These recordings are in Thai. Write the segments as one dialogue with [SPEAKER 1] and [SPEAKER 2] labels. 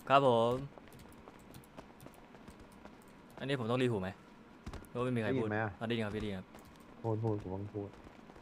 [SPEAKER 1] ครับผมอันนี้ผมต้องรีหูไหมหรือว่าไม่มีใคร
[SPEAKER 2] ได้ยิ
[SPEAKER 1] พูด
[SPEAKER 2] นไหมอะ
[SPEAKER 1] ได้ยินครับพี่ได้ยินครับ
[SPEAKER 2] พูดกูต้องพูด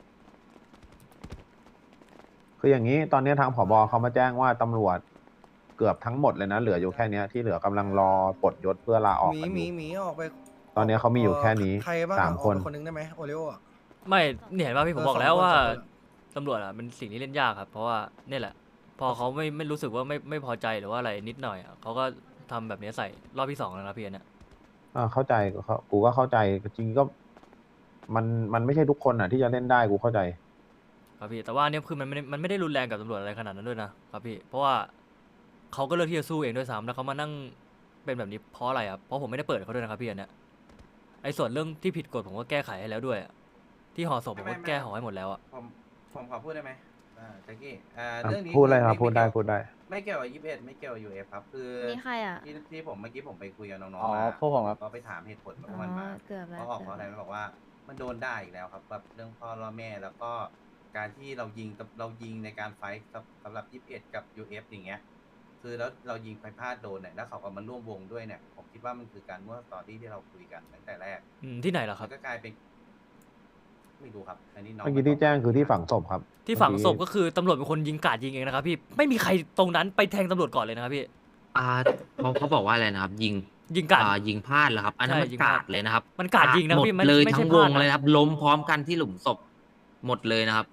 [SPEAKER 2] คืออย่างนี้ตอนนี้ทางผบเขามาแจ้งว่าตำรวจเกือบทั้งหมดเลยนะเหลืออยู่แค่เนี้ยที่เหลือกำลังรอปลดยศเพื่อลาอ
[SPEAKER 3] ห
[SPEAKER 2] อกกันอยู่
[SPEAKER 3] มีหมีหมีออกไป
[SPEAKER 2] ตอนนี้เขามีอยู่แค่นี้
[SPEAKER 3] ใครบ้างอะออก
[SPEAKER 2] 3 คน
[SPEAKER 3] ไปคนนึงได้ไหมโอริโออะ
[SPEAKER 1] ไม่เนี่ยเห็นว่าพี่ผมบอกแล้ว
[SPEAKER 3] 2 คน
[SPEAKER 1] ว่า
[SPEAKER 3] 2 คนอะ
[SPEAKER 1] ตำรวจอ่ะมันสิ่งที่เล่นยากครับเพราะว่าเนี่ยแหละพอเขาไม่รู้สึกว่าไม่พอใจหรือว่าอะไรนิดหน่อยอะเขาก็ทำแบบนี้ใส่รอบที่สองแล้วนะพี่อันเนี่ย
[SPEAKER 2] เข้าใจกูก็เข้าใจจริงๆก็มันมันไม่ใช่ทุกคนอ่ะที่จะเล่นได้กูเข้าใจ
[SPEAKER 1] ครับพี่แต่ว่าอันเนี่ยคือมันไม่ได้รุนแรงกับตำรวจอะไรขนาดนั้นด้วยนะครับพี่เพราะว่าเขาก็เลือกที่จะสู้เองด้วยซ้ำแล้วเขามานั่งเป็นแบบนี้เพราะอะไรครับเพราะผมไม่ได้เปิดเขาด้วยนะครับพี่อันเนี่ยไอ้ส่วนเรื่องที่ผิดกฎผมก็แก้ไขให้แล้วด้วยอะที่ห่อศพผมก็แก้ห่อให้หมดแล้วอะ
[SPEAKER 4] ผมขอพูดได้ไหมแจ็คกี้
[SPEAKER 2] อ่ะ
[SPEAKER 4] เรื่องนี้
[SPEAKER 2] พูดเลย
[SPEAKER 4] คือ
[SPEAKER 2] ครับพูดได้พูดได้
[SPEAKER 4] ไม่เกี่ยวกับ21ไม่เกี่ยวกับยูเอฟครับคือ
[SPEAKER 5] นี่ใครอ่ะ
[SPEAKER 4] ที่ผมเมื่อกี้ผมไปคุยกับน้อง
[SPEAKER 6] อ๋อ
[SPEAKER 4] ๆมา
[SPEAKER 6] พวกผมครับ
[SPEAKER 4] ก็ไปถามเหตุผลของ
[SPEAKER 5] อ๋อ
[SPEAKER 4] มันมา
[SPEAKER 5] เกือบแล้ว
[SPEAKER 4] เขาออกเพราะอะไรมันบอกว่ามันโดนได้อีกแล้วครับแบบเรื่องพ่อล่อแม่แล้วก็การที่เรายิงในการไฟท์สำหรับ21กับ UF อย่างเงี้ยคือแล้วเรายิงไปพลาดโดนเนี่ยแล้วเขาก็มาร่วมวงด้วยเนี่ยผมคิดว่ามันคือการมั่วสตอรี่ที่เราคุยกันตั้งแต่แรก
[SPEAKER 1] ที่ไหนล่ะค
[SPEAKER 4] มั
[SPEAKER 1] รับ
[SPEAKER 4] นก็กลายเป็นไม่รู้ครับอันนี้น้อง
[SPEAKER 2] เมื่อกี้ที่แจ้งคือที่ฝังศพครับ
[SPEAKER 1] ที่ฝังศพ
[SPEAKER 2] เมื่อ
[SPEAKER 1] ก็คือตำรวจเป็นคนยิงกราดยิงเองนะครับพี่ไม่มีใครตรงนั้นไปแทงตำรวจก่อนเลยนะครับพี่
[SPEAKER 7] อ่าเขาบอกว่าอะไรนะครับ ยิง
[SPEAKER 1] ยิงกราด
[SPEAKER 7] ยิงพลาดเหรอครับ อันนั้น
[SPEAKER 1] ใช่
[SPEAKER 7] มัน
[SPEAKER 1] ยิง
[SPEAKER 7] ก
[SPEAKER 1] พลาด
[SPEAKER 7] ราดเลยนะครับ
[SPEAKER 1] มันกราดยิงนะ
[SPEAKER 7] หมด
[SPEAKER 1] พี่มัน
[SPEAKER 7] เลย
[SPEAKER 1] ไม่
[SPEAKER 7] ทั้
[SPEAKER 1] ใช่
[SPEAKER 7] ง
[SPEAKER 1] พ
[SPEAKER 7] ว
[SPEAKER 1] ลาด
[SPEAKER 7] ง
[SPEAKER 1] นะ
[SPEAKER 7] เลยนะครับ ล้มพร้อมกันที่หลุมศพหมดเลยนะครับ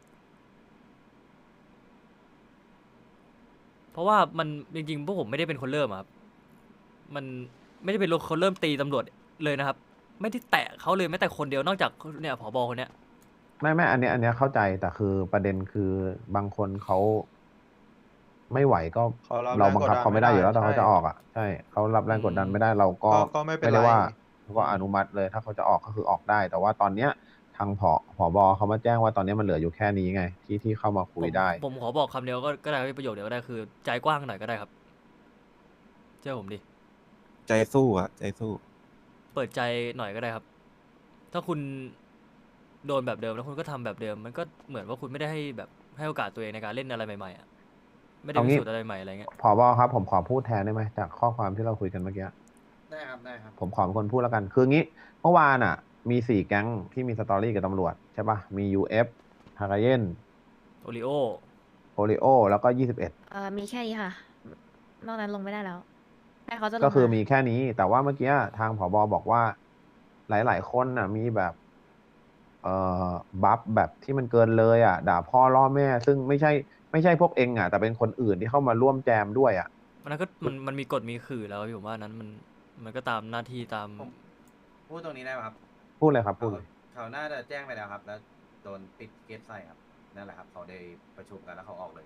[SPEAKER 1] เพราะว่ามันจริงๆพวกผมไม่ได้เป็นคนเริ่มอะครับมันไม่ได้เป็นคนเริ่มตีตำรวจเลยนะครับ ไม่ได้แตะเขาเลยแม้แต่คนเดียวนอกจากเนี่ยผบคนเนี้ย
[SPEAKER 2] ไม่อันเนี้ยเข้าใจแต่คือประเด็นคือบางคนเขาไม่ไหวก็
[SPEAKER 6] เขารับ
[SPEAKER 2] เราบังคับ
[SPEAKER 6] แรงกดดัน
[SPEAKER 2] เขาไม่ได้อยู่แล้ว
[SPEAKER 6] ไม่ได้
[SPEAKER 2] ถ้าเขาจะออกอ่ะใช่เขารับแรงกดดันไม่ได้เราก็
[SPEAKER 6] ก็ไม่เป็นไร
[SPEAKER 2] ได้ว่าเขาก็อนุมัติเลย ถ้าเขาจะออกก็คือออกได้ แต่ว่าตอนเนี้ยทางผบเขามาแจ้งว่าตอนนี้มันเหลืออยู่แค่นี้ไงที่เข้ามาคุยได้
[SPEAKER 1] ผมขอบอกคำเดียวก็ได้ประโยคเดียวก็ได้คือใจกว้างหน่อยก็ได้ครับเชื่อผมดิ
[SPEAKER 6] ใจสู้อะใจสู้
[SPEAKER 1] เปิดใจหน่อยก็ได้ครับ ถ้าคุณโดนแบบเดิมแล้วคุณก็ทำแบบเดิม มันก็เหมือนว่าคุณไม่ได้ให้แบบให้โอกาสตัวเองในการเล่นอะไรใหม่ๆอ่ะไม่ได้
[SPEAKER 2] เอา
[SPEAKER 1] พิ
[SPEAKER 2] งี้
[SPEAKER 1] สูจน์อะไรใหม่อะไรเงี้ย
[SPEAKER 2] ผบครับผมขอพูดแทนได้ไหมจากข้อความที่เราคุยกันเมื่อกี้
[SPEAKER 4] ได้ครับได้ครับ
[SPEAKER 2] ผมขอเป็นคนพูดแล้วกัน คืองี้เมื่อวานอ่ะ มี4 แก๊งที่มีสตอรี่กับตำรวจใช่ปะมี UF ฮากาเยน
[SPEAKER 1] โอริโอ
[SPEAKER 2] โอริโอแล้วก็21
[SPEAKER 5] มีแค่นี้ค่ะ นอกนั้นลงไม่ได้แล้วแต่เขาจะลง
[SPEAKER 2] ก็คือ
[SPEAKER 5] า
[SPEAKER 2] มีแค่นี้ แต่ว่าเมื่อกี้ทางผบบอกว่า หลาย ๆ คนน่ะ มีแบบ บัฟแบบที่มันเกินเลยอ่ะ ด่าพ่อล่อแม่ ซึ่งไม่ใช่พวกเองอ่ะ แต่เป็นคนอื่นที่เข้ามาร่วมแจมด้วยอ่ะ
[SPEAKER 1] มันก็มันมีกฎมีขื่อแล้วพี่ผมว่านั้นมันก็ตามหน้าที่ตาม
[SPEAKER 4] ผมพูดตรงนี้ได้ไหมครับ
[SPEAKER 2] พูดเลยครับ พูดเลย
[SPEAKER 4] เขาน่าจะแจ้งไปแล้วครับ แล้วโดนปิดเกตไซครับนั่นแหละครับเขาได้ประชุมกันแล้วเขาออกเลย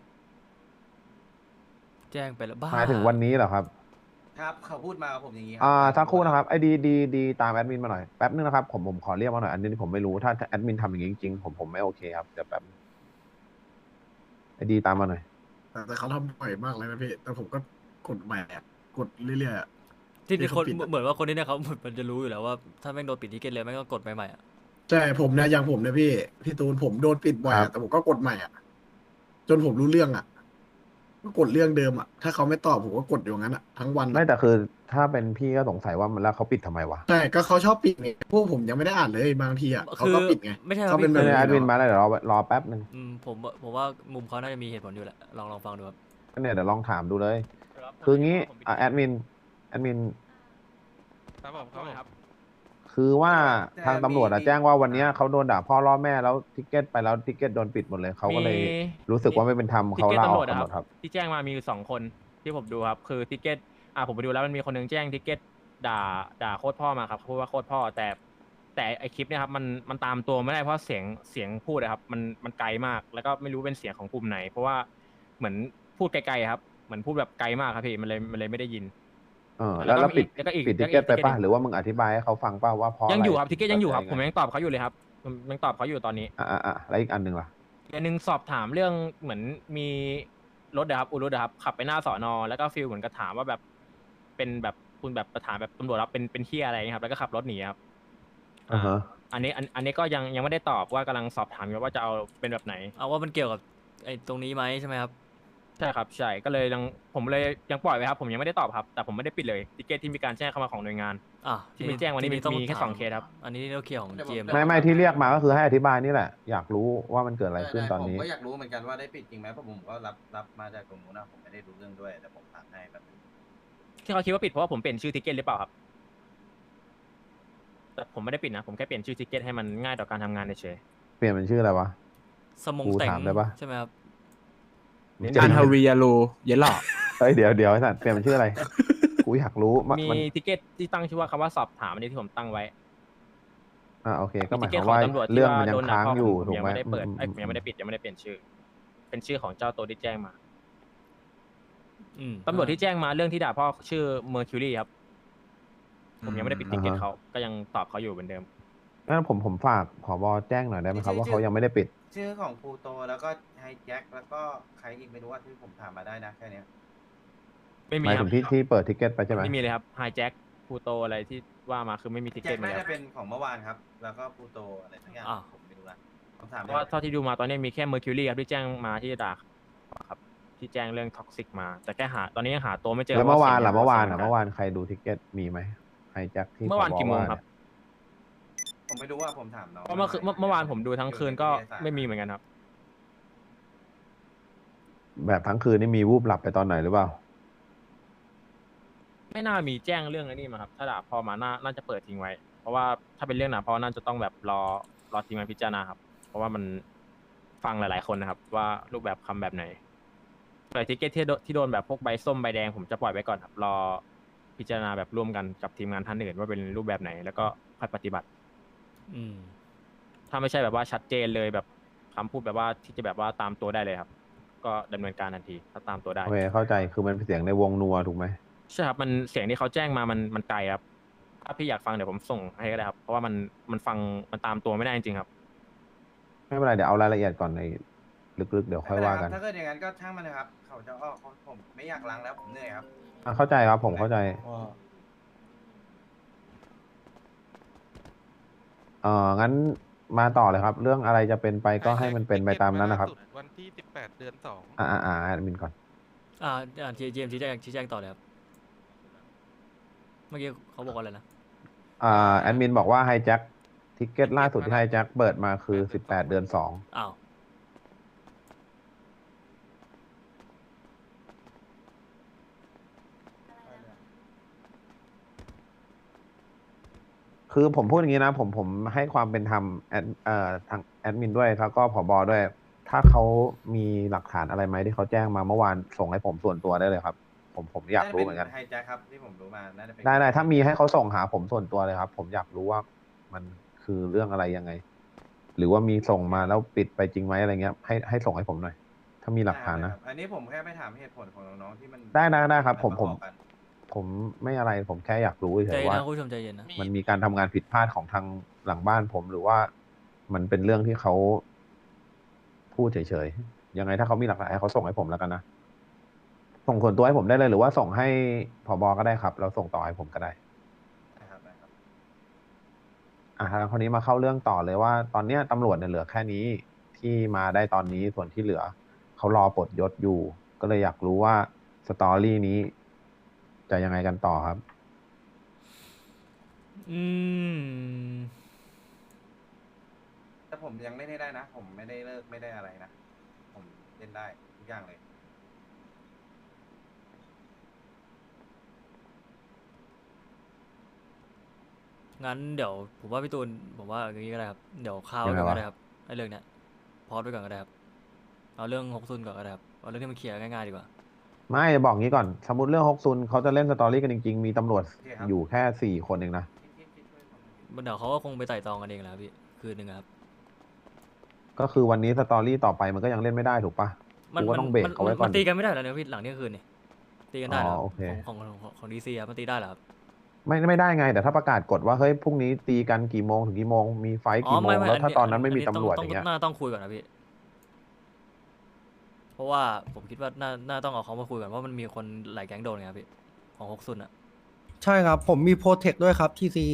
[SPEAKER 1] แจ้งไปแล้วบ้า
[SPEAKER 2] หมายถึงวันนี้เหรอครับ
[SPEAKER 4] ครับเขาพูดมากับผมอย่างนี้ครั
[SPEAKER 2] สักครู่นะครับ ไอ้ดีตามแอดมินมาหน่อย แป๊บนึงนะครับ ผมขอเรียกมาหน่อย อันนี้ผมไม่รู้ ถ้าแอดมินทำอย่างนี้จริงๆ ผมไม่โอเคครับ เดี๋ยวแป๊บนึงไอ้ดีตามมาหน่อย
[SPEAKER 8] แต่เขาทำบ่อยมากเลยนะพี่ แต่ผมก็กดใหม่อะกดเรื่อยๆอะ
[SPEAKER 1] ที่
[SPEAKER 8] ที่
[SPEAKER 1] คน
[SPEAKER 8] เขาปิดอะ
[SPEAKER 1] เหมือนว่าคนนี้เนี่ยเขามันจะรู้อยู่แล้วว่าถ้าแม่งโดนปิดทิเก็ตเลยแม่งก็กดใหม่ๆอ่ะ
[SPEAKER 8] ใช่ผมเนี่ยอย่างผมเนี่ยพี่ตูนผมโดนปิดบ่อย
[SPEAKER 2] ครั
[SPEAKER 8] อะ
[SPEAKER 2] บ
[SPEAKER 8] แต่ผมก็กดใหม่อะจนผมรู้เรื่องอะก็กดเรื่องเดิมอะถ้าเขาไม่ตอบผมก็กดอยู่งั้นอะทั้งวันอะ
[SPEAKER 2] ไม่แต่คือถ้าเป็นพี่ก็สงสัยว่ามันแล้วเขาปิดทำไมวะ
[SPEAKER 8] ใช่ก็เขาชอบปิดไงพวกผมยังไม่ได้อ่านเลยบางทีอะเขา
[SPEAKER 1] คือ
[SPEAKER 8] ก็ปิดไง
[SPEAKER 1] ไม่ใช่ครับ
[SPEAKER 8] เขาเป็น
[SPEAKER 1] พี่
[SPEAKER 8] แบบ
[SPEAKER 2] แอดมินมาแล้วเดี๋ยวรอแป๊บนึง
[SPEAKER 1] ผมว่ามุมเขาน่าจะมีเหตุผลอยู่แหละลองฟังดูครับ
[SPEAKER 2] เนี่ยเดี๋ยวลองถามดูเลย คืองี้แอดมิน
[SPEAKER 6] ครับผมครับ
[SPEAKER 2] คือว่า
[SPEAKER 4] แต่
[SPEAKER 2] ทางตำรวจอะ
[SPEAKER 4] มี
[SPEAKER 2] แจ้งว่าวันเนี้ยเขาโดนด่าพ่อล่อแม่แล้วทิกเก็ตไปแล้วทิกเก็ตโดนปิดหมดเลยเขาก็เลยรู้สึกว่าไม่เป็นธรรมเขาลาออกกันหมดครับ
[SPEAKER 9] ที่แจ้งมามีอยู่2 คนที่ผมดูครับ คือทิกเก็ตผมไปดูแล้วมันมีคนหนึงแจ้งทิกเก็ตด่าโคตรพ่อมาครับพูดว่าโคตรพ่อแต่ไอคลิปเนี่ยครับมันตามตัวไม่ได้เพราะเสียงพูดอะครับมันไกลมากแล้วก็ไม่รู้เป็นเสียงของกลุ่มไหน เพราะว่าเหมือนพูดไกลๆครับเหมือนพูดแบบไกลมากครับพี่มันเลยไม่ได้ยิน
[SPEAKER 2] แล้วปิด
[SPEAKER 9] แล้วก็อีก
[SPEAKER 2] ปิดทิกเก็ตไปป่ะหรือว่ามึงอธิบายให้เขาฟังป่ะว่าเพราะ
[SPEAKER 9] ยังอยู่
[SPEAKER 2] ะ
[SPEAKER 9] ครับทิกเก็ตยังอยู่ครับ
[SPEAKER 2] เข้า
[SPEAKER 9] ผม
[SPEAKER 2] ใจ
[SPEAKER 9] ยังตอบเขาอยู่เลยครับผมยังตอบเขาอยู่ตอนนี้
[SPEAKER 2] แล้วอีกอันหนึ่งล่ะ
[SPEAKER 9] อันนึงสอบถามเรื่องเหมือนมีรถนะครับรถนะครับขับไปหน้าสอนอแล้วก็ฟีลเหมือนกับถามว่าแบบเป็นแบบคุณแบบประถามแบบตำรวจรับเป็นเที่ยอะไรเงี้ยครับแล้วก็ขับรถหนีครับ
[SPEAKER 2] อ่าฮะ
[SPEAKER 9] อันนี้ก็ยังไม่ได้ตอบว่ากำลังสอบถามอยู่ว่าจะเอาเป็นแบบไหน
[SPEAKER 1] เอาว่ามันเกี่ยวกับไอ้ตรงนี้ไหมใช่ไหมครับ
[SPEAKER 9] ใใช่ครับใช่ก็เลยผมเลยยังปล่อยไว้ครับผมยังไม่ได้ตอบครับแต่ผมไม่ได้ปิดเลยทิเกตที่มีการแจ้งเข้ามาของหน่วยงาน
[SPEAKER 1] อ่ะ
[SPEAKER 9] ที่มีแจ้งวันนี้
[SPEAKER 1] ทีต้อง
[SPEAKER 9] มีแค่
[SPEAKER 1] ถา
[SPEAKER 9] 2 เคสครับ
[SPEAKER 1] อันนี้เราเคลียร์ของ GM
[SPEAKER 2] ไม่ที่เรียกมาก็คือให้อธิบายนี่แหละ อยากรู้ว่ามันเกิดอะไรขึ้นตอนนี้
[SPEAKER 4] ผมก็อยากรู้เหมือนกันว่าได้ปิดจริงไหมเพราะผมก็รับมาจากตรงนู้นนะผมไม่ได้รู้เรื่องด้วยแต่ผมถามให้แบบนึง
[SPEAKER 9] ที่เขาคิดว่าปิดเพราะว่าผมเปลี่ยนชื่อทิเกตหรือเปล่าครับแต่ผมไม่ได้ปิดนะผมแค่เปลี่ยนชื่อทิเกตให้มันง่ายต่อการทำงานเฉย
[SPEAKER 2] เปลี่ยนเป็นชื่ออะไรวะ
[SPEAKER 1] สมง
[SPEAKER 2] กู
[SPEAKER 1] แต่ง
[SPEAKER 2] ถามได้ปะ
[SPEAKER 1] ใช่ไหมครับ
[SPEAKER 6] อันฮาริยาโลเยลล่อ
[SPEAKER 2] เฮ้ยเดี๋ยวไอ้สัตว์เปลี่ยนเป็นชื่ออะไร กูอยากรู้มัน
[SPEAKER 9] มี
[SPEAKER 2] มัน
[SPEAKER 9] ทิเกตที่ตั้งชื่อว่าคำว่าสอบถามอันนี้ที่ผมตั้งไว้
[SPEAKER 2] โอเค ก็ห
[SPEAKER 9] มี
[SPEAKER 2] มาย
[SPEAKER 9] ทิ
[SPEAKER 2] ค
[SPEAKER 9] เก
[SPEAKER 2] วา
[SPEAKER 9] ต
[SPEAKER 2] ม
[SPEAKER 9] ของ
[SPEAKER 2] ว่า
[SPEAKER 9] ตำรวจที่
[SPEAKER 2] เรื่อง
[SPEAKER 9] ว่า
[SPEAKER 2] มันยั
[SPEAKER 9] โด
[SPEAKER 2] ง
[SPEAKER 9] นด่า
[SPEAKER 2] ค้าง
[SPEAKER 9] พ่อ
[SPEAKER 2] อยู่
[SPEAKER 9] ผม
[SPEAKER 2] ถูก
[SPEAKER 9] ยัง
[SPEAKER 2] ไหม
[SPEAKER 9] ไม่ได้เปิด ผมยังไม่ได้
[SPEAKER 2] อื
[SPEAKER 9] ปิดยังไม่ได้เปลี่ยนชื่อ เป็นชื่อของเจ้าตัวที่แจ้งมา ตำรวจที่แจ้งมาเรื่องที่ด่าพ่อชื่อเมอร์คิวรีครับผมยังไม่ได้ปิดทิเกตเขาก็ยังตอบเขาอยู่เหมือนเดิม
[SPEAKER 2] งั้นผมฝากผบแจ้งหน่อยได้ไหมครับว่าเขายังไม่ได้ปิด
[SPEAKER 4] ชื่อของพลูโตแล้วก็ไฮแจ็คแล้วก็ใครอีกไม่รู้ว่าที่ผมถามมาได้นะแค่เนี้ย
[SPEAKER 9] ไม่
[SPEAKER 2] ห
[SPEAKER 9] มี
[SPEAKER 2] มาย
[SPEAKER 9] ค
[SPEAKER 2] ถึ
[SPEAKER 9] รับ
[SPEAKER 2] งที่เปิดทิเก็ตไปใช่ไหม
[SPEAKER 9] ไม่มีเลยครับไฮแจ็คพูโตอะไรที่ว่ามาคือไม่มีทิเก
[SPEAKER 4] แจ็
[SPEAKER 9] ต
[SPEAKER 4] ค
[SPEAKER 9] เลย
[SPEAKER 4] น่า
[SPEAKER 9] ค
[SPEAKER 4] จะ
[SPEAKER 9] รับ
[SPEAKER 4] เป็นของเมื่อวานครับ แล้วก็พลูโตอะไรทั้งอย่าง
[SPEAKER 1] อ่ะ
[SPEAKER 4] ผมไม่รู้ละผมถาม
[SPEAKER 9] เพราะว่าเท่าที่ดูมาตอนนี้มีแค่เมอร์คิวรีครับที่แจ้งมาที่ด่าครับที่แจ้งเรื่องท็อกซิกมา แต่แค่หาตอนนี้ยังหาตัวไม่เจอ
[SPEAKER 2] แล้วเมื่อวานล่ะ
[SPEAKER 9] สียง
[SPEAKER 2] เมื่อวาน
[SPEAKER 9] สียง
[SPEAKER 2] เมื่อวานใครดูทิเก็ตมีไหมไฮแจ็คที่
[SPEAKER 9] เมื่อวาน
[SPEAKER 2] ผบ
[SPEAKER 9] กี่โมงครับ
[SPEAKER 4] ผมไม่รู้ว่าผมถามน้อง
[SPEAKER 9] เพราะเมื่อวานผมดูทั้งคืนก็ไม่มีเหมือนกันครับ
[SPEAKER 2] แบบทั้งคืนนี่มีวูบหลับไปตอนไหนหรือเปล่า
[SPEAKER 9] ไม่น่ามีแจ้งเรื่องไอ้นี้มาครับถ้าด่าพอมาน่าจะเปิดทิ้งไว้ เพราะว่าถ้าเป็นเรื่องด่าพอน่าจะต้องแบบรอทีมงานพิจารณาครับ เพราะว่ามันฟังหลายๆคนนะครับ ว่ารูปแบบคำแบบไหนส่วนทิเกตที่โดนแบบพวกใบส้มใบแดงผมจะปล่อยไว้ก่อนครับรอพิจารณาแบบร่วมกันกับทีมงานท่านอื่นว่าเป็นรูปแบบไหน แล้วก็ค่อยปฏิบัติ
[SPEAKER 1] อืม
[SPEAKER 9] ถ้าไม่ใช่แบบว่าชัดเจนเลยแบบคำพูดแบบว่าที่จะแบบว่าตามตัวได้เลยครับ ก็ดำเนินการทันทีถ้าตามตัวได้
[SPEAKER 2] โอเคเข้าใจคือมันเป็นเสียงในวงนัวถูกไหม
[SPEAKER 9] ใช่ครับมันเสียงที่เขาแจ้งมามันไกลครับถ้าพี่อยากฟังเดี๋ยวผมส่งให้ก็ได้ครับ เพราะว่ามันฟังมันตามตัวไม่ได้จริงๆครับ
[SPEAKER 2] ไม่เป็นไรเดี๋ยวเอารายละเอียดก่อนในลึกๆเดี๋ยวค่อยว่ากัน
[SPEAKER 4] ถ้าเกิดอย่างนั้นก็ช่างมันนะครับ เขาจะออกผมไม่อยากล้างแล้วผมเหนื่อยครับ
[SPEAKER 2] เข้าใจครับผมเข้าใจงั้นมาต่อเลยครับ เรื่องอะไรจะเป็นไปก็ให้มันเป็นไปตามนั้นนะครับ
[SPEAKER 6] วันที่18 เดือน 2
[SPEAKER 2] แอดมินก่อน
[SPEAKER 1] GM ชี้แจงต่อเลยครับ เมื่อกี้เขาบอกว่าอะไรนะ
[SPEAKER 2] แอดมินบอกว่าไฮแจ็คทิเก็ตล่าสุดที่ไฮแจ็คเปิดมาคือ18 เดือน 2
[SPEAKER 1] อ้าว
[SPEAKER 2] คือผมพูดอย่างนี้นะผมให้ความเป็นธรรมทางแอดมินด้วยแล้วก็ผบด้วย ถ้าเขามีหลักฐานอะไรไหมที่เขาแจ้งมาเมื่อวานส่งให้ผมส่วนตัวได้เลยครับ ผมอยากรู้เหมือนกัน
[SPEAKER 4] ไฮแจ็คครับที่ผมรู้มาน่าจะเป็น
[SPEAKER 2] ได้ถ้ามีให้เขาส่งหาผมส่วนตัวเลยครับ ผมอยากรู้ว่ามันคือเรื่องอะไรยังไง หรือว่ามีส่งมาแล้วปิดไปจริงไหมอะไรเงี้ยให้ส่งให้ผมหน่อย ถ้ามีหลักฐานนะ
[SPEAKER 4] อันนี้ผมแค่ไปถามเหตุผลของน้องๆที่มัน
[SPEAKER 2] ได้ครับผม
[SPEAKER 4] นอกกัน
[SPEAKER 2] ผมไม่อะไรผมแค่อยากรู้
[SPEAKER 1] ใจ
[SPEAKER 2] เฉย
[SPEAKER 1] เย็น
[SPEAKER 2] ๆว่า
[SPEAKER 1] นะคุณผู้ชมใจเย็นนะ
[SPEAKER 2] มันมีการทำงานผิดพลาดของทางหลังบ้านผมหรือว่ามันเป็นเรื่องที่เขาพูดเฉยๆยังไงถ้าเขามีหลักฐานให้เขาส่งให้ผมแล้วกันนะส่งส่วนตัวให้ผมได้เลยหรือว่าส่งให้ผบก็ได้ครับแล้วส่งต่อให้ผมก็ได้
[SPEAKER 4] นะครับ
[SPEAKER 2] ทางคนนี้มาเข้าเรื่องต่อเลยว่า ตอนเนี้ยตำรวจเนี่ยเหลือแค่นี้ที่มาได้ตอนนี้ส่วนที่เหลือเขารอปลดยศอยู่ ก็เลยอยากรู้ว่าสตอรี่นี้จะยังไงกันต่อครับ
[SPEAKER 4] แต่ผมยังเล่นให้ได้นะ ผมไม่ได้เลิกไม่ได้อะไรนะ ผมเล่นได้ทุกอย่างเลย
[SPEAKER 1] งั้นเดี๋ยวผมว่าพี่ตูนผมว่าอย่างนี้ก็ได้ครับ เดี๋ยวข้าว
[SPEAKER 2] ยังไง
[SPEAKER 1] ก่อน
[SPEAKER 2] วะ
[SPEAKER 1] ก็ได้ครับไอ้เรื่องเนี้ยพอดไปก่อนก็ได้ครับเอาเรื่องฮกซุนก่อนก็ได้ครับเอาเรื่องที่มันเคลียร์ง่ายๆดีกว่า
[SPEAKER 2] ไม่บอกงี้ก่อนสมมติเรื่องฮกซุนเขาจะเล่นสตอรี่กันจริงๆมีตำรวจ
[SPEAKER 4] โอเคครับ
[SPEAKER 2] อยู่แค่4 คนเองนะ
[SPEAKER 4] ที่ช่วยผม
[SPEAKER 1] เดี๋ยวเขาก็คงไปไต่ตองกันเองแหละครับพี่คืนนึงอะครับ
[SPEAKER 2] ก็คือวันนี้สตอรี่ต่อไปมันก็ยังเล่นไม่ได้ถูกปะกูก็ต้องเบรกเขาไว้ก่อน
[SPEAKER 1] มันตีกันไม่ได้แล้วเนี่ยพี่หลังเที่ยงคืนนี่ตีกันได้เหรอ
[SPEAKER 2] โอเค
[SPEAKER 1] ของดีซีครับมันตีได้เหรอครับ
[SPEAKER 2] ไม่ได้ไง แต่ถ้าประกาศกฎว่าเฮ้ยพรุ่งนี้ตีกันกี่โมงถึงกี่โมงมีไฟท์กี่โมงแล้วถ้าตอนนั้นไม่มีตำรวจอย่างเงี้ย
[SPEAKER 1] น่าต้องคุยก่อนนะพี่ เพราะว่าผมคิดว่าน่าต้องเอาเขามาคุยก่อนว่ามันมีคนหลายแก๊งโดนไงครับพี่ของฮกซุนอะ
[SPEAKER 3] ใช่ครับ ผมมีโปรเทคด้วยครับที่ซี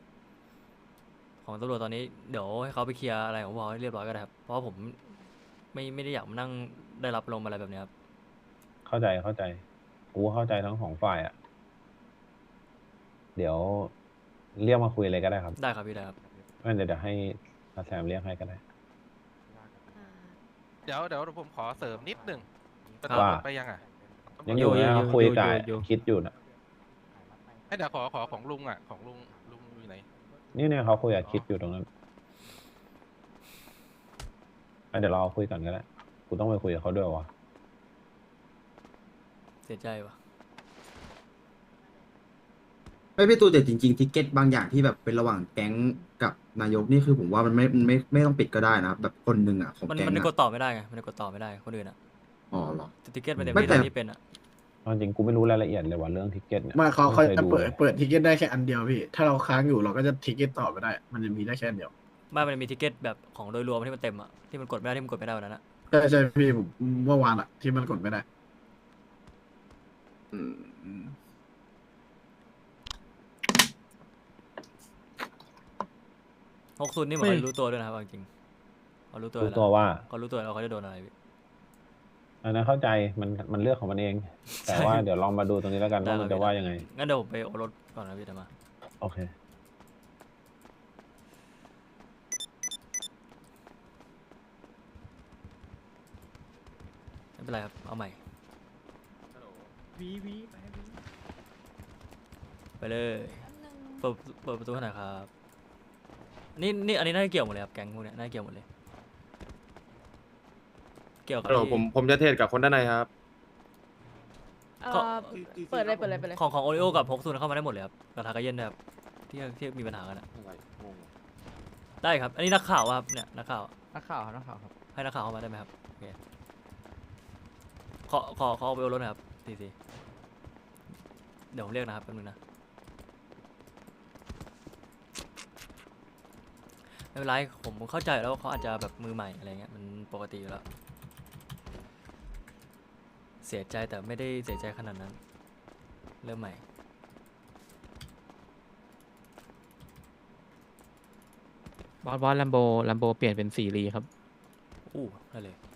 [SPEAKER 1] ของตำรวจตอนนี้เดี๋ยวให้เขาไปเคลียร์อะไรของพอให้เรียบร้อยก็ได้ครับเพราะว่าผมไม่ได้อยากมานั่งได้รับลมณ์อะไรแบบเนี้ยครับ
[SPEAKER 2] เข้าใจกูเข้าใจทั้งสองฝ่ายอ่ะ เดี๋ยวเรียกมาคุยเลยก็ได้ครับ
[SPEAKER 1] ได้ครับพี่ได้ครับ
[SPEAKER 2] ไม่เดี๋ยวให้อาแซมเรียกให้ก็ได้
[SPEAKER 5] อ่า
[SPEAKER 10] เดี๋ยวผมขอเสริมนิดหนึ่ง
[SPEAKER 2] ว่า
[SPEAKER 10] ไปยังอ่ะ
[SPEAKER 2] ยังอยู่นะคุยกับคิดอยู่นะ
[SPEAKER 10] ให้เดี๋ยวขอของลุงอ่ะ ของลุงอยู่ไหน
[SPEAKER 2] นี่เนี่ยเขาคุยกับคิดอยู่ตรงนั้นเดี๋ยวเราคุยก่อนก็ได้กูต้องไปคุยกับเขาด้วยวะ
[SPEAKER 1] เสียใจว่ะ
[SPEAKER 11] ไม่พี่ตูแต่จริงๆทิกเก็ตบางอย่างที่แบบเป็นระหว่างแก๊งกับนายกนี่คือผมว่ามันไม่ต้องปิดก็ได้นะแบบคนหนึ่งอ่ะของ
[SPEAKER 1] มัน
[SPEAKER 11] แก๊ง
[SPEAKER 1] มันกด
[SPEAKER 11] อ่ะ
[SPEAKER 1] ต่อไม่ได้ไงมันกดต่อไม่ได้คนอื่นอ่ะ
[SPEAKER 11] อ๋อเหรอ
[SPEAKER 1] ติเกตมันเต็ม
[SPEAKER 11] ไม่
[SPEAKER 1] ที่
[SPEAKER 11] แต่
[SPEAKER 1] ที่เป็นอ่ะ
[SPEAKER 2] เอาจริงกูไม่รู้รายละเอียดเลยว่าเรื่องทิกเก็ตเนี่ย
[SPEAKER 8] มาเขา
[SPEAKER 2] ไม่คย
[SPEAKER 8] จะ
[SPEAKER 2] ดู
[SPEAKER 8] เปิด
[SPEAKER 2] เลย
[SPEAKER 8] เปิดทิกเก็ตได้แค่อันเดียวพี่ ถ้าเราค้างอยู่เราก็จะทิกเก็ตต่อไม่ได้ มันจะมีได้แค่อันเดียว
[SPEAKER 1] ไม่มันมีติเกตแบบของโดยรวมที่มันเต็มอ่ะที่มันกดไม่ได้ที่มันกดไม่ได้วันนั้นอ่ะ
[SPEAKER 8] ใช่พี่ผมเมื่อวานอะที่มันกดไม่ได้
[SPEAKER 11] อืม
[SPEAKER 1] 60นี่เหมือนเขารู้ตัวด้วยนะครับเอาจริงเขารู้ตัว
[SPEAKER 2] รู้
[SPEAKER 1] แล้ว
[SPEAKER 2] ตัวว่า
[SPEAKER 1] เขารู้ตัวแล้วเขาจะโดนอะไรพี่
[SPEAKER 2] อันนั้นเข้าใจมันเลือกของมันเอง แต่ว่าเดี๋ยวลองมาดูตรงนี้แล้วกันว่ามันจะว่ายังไง
[SPEAKER 1] งั้นเดี๋ยวผมไปโอรสก่อนนะพี่เดี๋ยวมา
[SPEAKER 2] โอเค
[SPEAKER 1] ไม่เป็นไรครับเอาใหม่ไปเลยเปิดประตูให้หน่อยครับนี่อันนี้น่าจะเกี่ยวหมดเลยครับแก๊งพวกเนี้ยน่าจะเกี่ยวหมดเลยเกี่ยวกับที่
[SPEAKER 6] ผมจะเทรดกับคนด้านในครับ
[SPEAKER 5] เปิดเลยเปิดเลยเปิดเลย
[SPEAKER 1] ของโอริโอกับฮกซุนเข้ามาได้หมดเลยครับกับทากาเย็นนะครับที่มีปัญหากันอะได้ครับ อันนี้นักข่าวอะครับเนี่ยนักข่าว
[SPEAKER 6] นักข่าวครับ
[SPEAKER 1] ให้นักข่าวเข้ามาได้ไหมครับโอเคขอเอาไปโอรสหนะครับทีเดี๋ยวผมเรียกนะครับแป๊บนึงนะไม่เป็นไรผมเข้าใจแล้วว่าเขาอาจจะแบบมือใหม่อะไรเงี้ยมันปกติอยู่แล้วเสียใจแต่ไม่ได้เสียใจขนาดนั้นเริ่มใหม่
[SPEAKER 6] บอสลัมโบเปลี่ยนเป็น4 ลีครับ
[SPEAKER 1] อู้ได้เลย